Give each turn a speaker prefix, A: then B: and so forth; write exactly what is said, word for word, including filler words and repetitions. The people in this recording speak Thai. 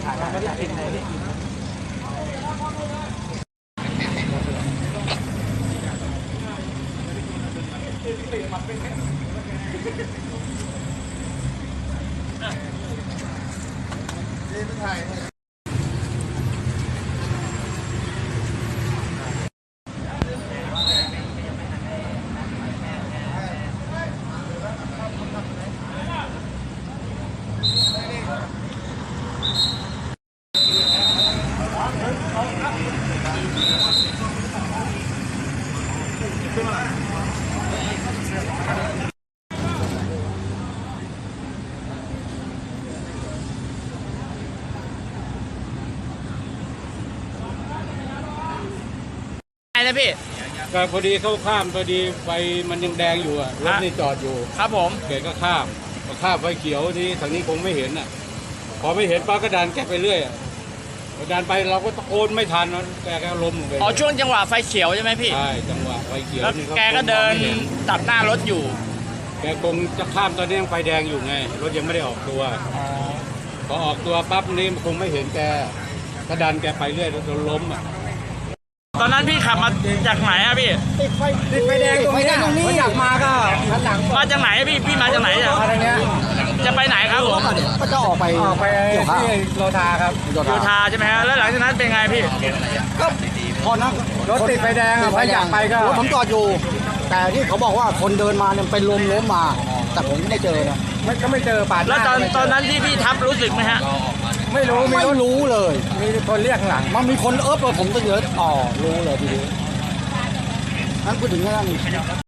A: นะพี่
B: ก็พอดีเข้าข้ามพอดีไฟมันยังแดงอยู่อะรถนี่จอดอยู่
A: ครับผม
B: แกก็ข้ามก็ข้ามไฟเขียวนี้ทางนี้คงไม่เห็นอ่ะพอไม่เห็นป้าก็ดันแกไปเรื่อยอ่ะดันไปเราก็ตะโกนไม่ทันนะแกก็ล้มลงไป
A: อ๋อช่วงจังหวะไฟเขียวใช่ไหมพี่
B: ใช่จังหวะไฟเขียว
A: แล้วแกก็เดินตัดหน้ารถอยู่
B: แกคงจะข้ามตอนนี้ยังไฟแดงอยู่ไงรถยังไม่ได้ออกตัวพอออกตัวปั๊บนี่คงไม่เห็นแกก็ดันแกไปเรื่อยจนล้มอ่ะ
A: ตอนนั้นพี่ขับมาจากไหนอะพี่
C: ติดไฟติดไฟแดงตรงนี้ตรงนี้อยากมาก็หันหลัง
A: มาจากไหนพี่พี่มาจากไหนอะ
C: อะไรเงี้ย
A: จะไปไหนครับผม
C: ก็จะออกไปออกไปที่โลทาครับ
A: โลทาใช่ไหมฮะแล้วหลังจากนั้นเป็นไงพี่
C: ก็พอนะรถติดไฟแดงอะพออยากไปก็รถผมจอดอยู่แต่ที่เขาบอกว่าคนเดินมาเนี่ยเป็นลมล้มมาแต่ผมไม่ได้เจอนะไม่ก็ไม่เจอปาด
A: แล้วตอนตอนนั้นที่พี่ทับรู้สึกไหมฮะ
C: ไม่รู้ไม่รู้เลยมีคนเรียกหลังมันมีคนเอิบเลยผมก็เยอะอ๋อรู้เลยทีนี้นั้นพูดถึงเรื่อง